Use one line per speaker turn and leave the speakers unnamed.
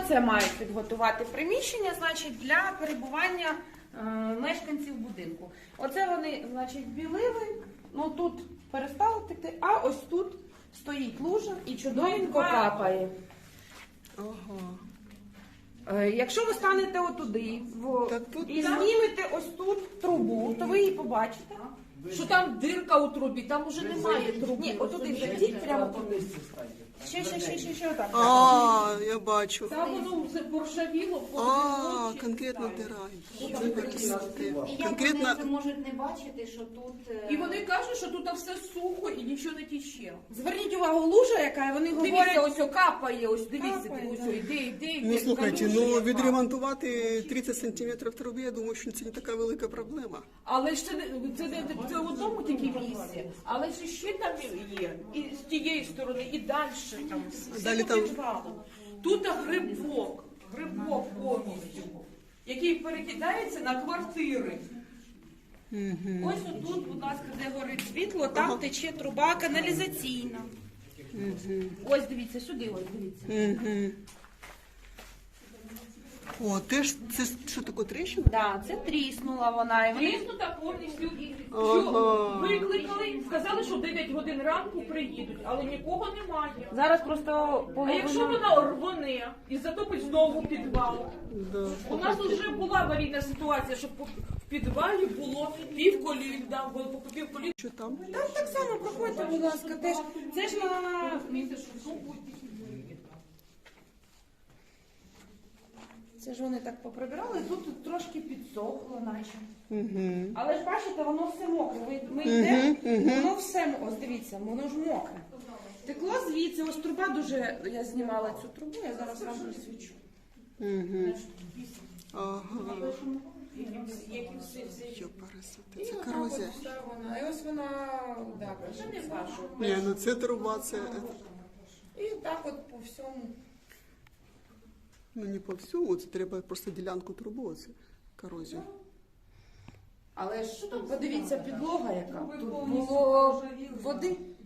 Оце мають підготувати приміщення, значить, для перебування мешканців будинку. Оце вони, значить, білили, ну тут перестало текти, а ось тут стоїть лужа і чудовенько капає. Якщо ви станете отуди і знімете ось тут трубу, то ви її побачите.
Що там дирка у трубі, там уже немає труби.
Ні, отуди зайдіть, прямо туди. Ще отак.
А, я бачу.
Там воно все поршавіло,
Конкретно дира.
І як вони можуть не бачити, що тут...
І вони кажуть, що тут все сухо і нічого не тіче.
Зверніть увагу, лужа яка, вони
Дивіться,
говорять...
ось капає, ось дивіться,
Капає,
ось
да.
іде.
Ну, слухайте,
Калюжа
ну
яка.
відремонтувати 30 сантиметрів труби, я думаю, що це не така велика проблема.
Але ж це в одному тільки місці, але ж ще там є, і з тієї сторони, і далі там,
Далі
все
там-
по підвалу. Тут грибок повністю, який перекидається на квартири.
Ось отут, будь ласка, де горить світло, там тече труба каналізаційна. Ось дивіться, сюди ось дивіться.
О, теж це що таке тріщина?
Да, це тріснула вона. І вони...
Тріснута повністю.
Ага.
Що викликали, сказали, що в 9 годин ранку приїдуть, але нікого немає.
Зараз просто
А якщо
половина...
вона рвоне і затопить знову підвал?
Да.
У нас вже була аварійна ситуація, що в підвалі було півколінда, по півколінда.
Що там?
Там так само проходьте, будь ласка, теж. Це ж на... Це ж вони так поприбирали, тут трошки підсохло наче. Але ж бачите, воно все мокре. Ми йдемо, воно все, ось дивіться, воно ж мокре. Текло звідси, ось труба дуже, я знімала цю трубу, я зараз вам присвічу.
Ага.
Які всі.
Йопарасоте, це корозія.
І ось вона, да, не бачу.
Ні, ну це труба, це...
І так от по всьому.
Ну не по всьому, це треба просто ділянку труби, це корозія.
Але ж подивіться, підлога яка. Тут було води.